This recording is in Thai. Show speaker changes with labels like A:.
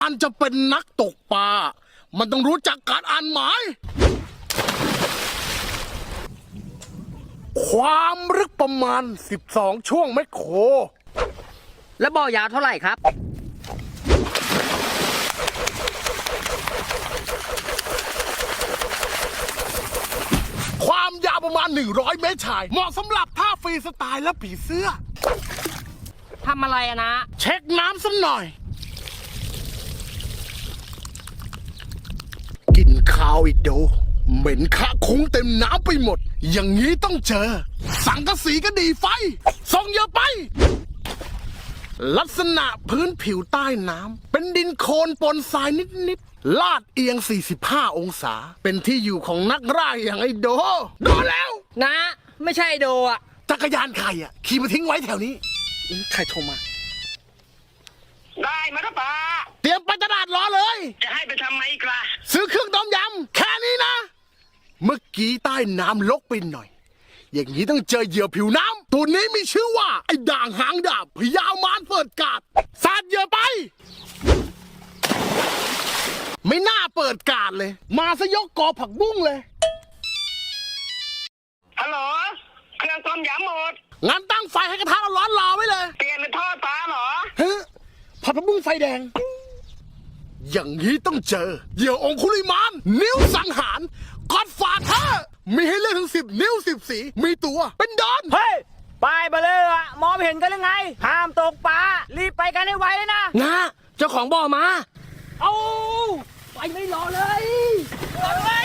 A: อันจะเป็นนักตกปลา มันต้องรู้จักการอ่านหมาย ความลึกประมาณ 12 ช่วงแมคโคร
B: แล้วบ่อยาวเท่าไหร่ครับ
A: ความยาวประมาณ 100 เมตรชาย เหมาะสำหรับท่าฟรีสไตล์และผีเสื้อ
B: ทำอะไรอะนะ
A: เช็คน้ำสักหน่อย กินข้าวอีกโด เหม็นคะคุ้งเต็มน้ำไปหมด อย่างนี้ต้องเจอ สังกะสีก็ดีไฟ ส่งเยอะไป ลักษณะพื้นผิวใต้น้ำเป็นดินโคลนปนทรายนิดๆ ลาดเอียง 45 องศา เป็นที่อยู่ของนักร่าอย่างไอ้โด โดแล้ว
B: นะ ไม่ใช่โดอะ
A: จักรยานใครอ่ะ ขี่มาทิ้งไว้แถวนี้ ใครโทรมา
C: ได้มาครับป้า
A: เตรียมไปตลาดรอเลย
C: จะให้ไปทำไมอีกล่ะ
A: ซื้อเครื่องต้มยำแค่นี้นะ เมื่อกี้ใต้น้ำลกไปหน่อย อย่างนี้ต้องเจอเหยื่อผิวน้ำตัวนี้มีชื่อว่า ไอ้ด่างหางดาบพยาวมารเปิดกาดสาดเหยื่อไป ไม่น่าเปิดกาดเลย มาซะยกกอผักบุ้งเลย
C: ฮัลโหล เครื่องต้มยำหมด
A: งั้นตั้งไฟให้กระทะร้อนๆรอไว้เลย
C: เปลี่ยนเป็นทอดปลาเหรอ
A: ฮะผัดผักบุ้งไฟแดง อย่างนี้ต้องเจอเหยื่อองคุลิมาน นิ้วสังหารกอดฝาเธอมีให้เลือกถึง10 นิ้ว10 สี มีตัวเป็นดอน
B: เฮ้ยไปไปเลยอะมองไม่เห็นกันยังไง ห้ามตกปลา รีบไปกันให้ไวเลยนะ
A: นะ เจ้าของบ่อมา
B: เอาไปไม่รอเลยรอด้วย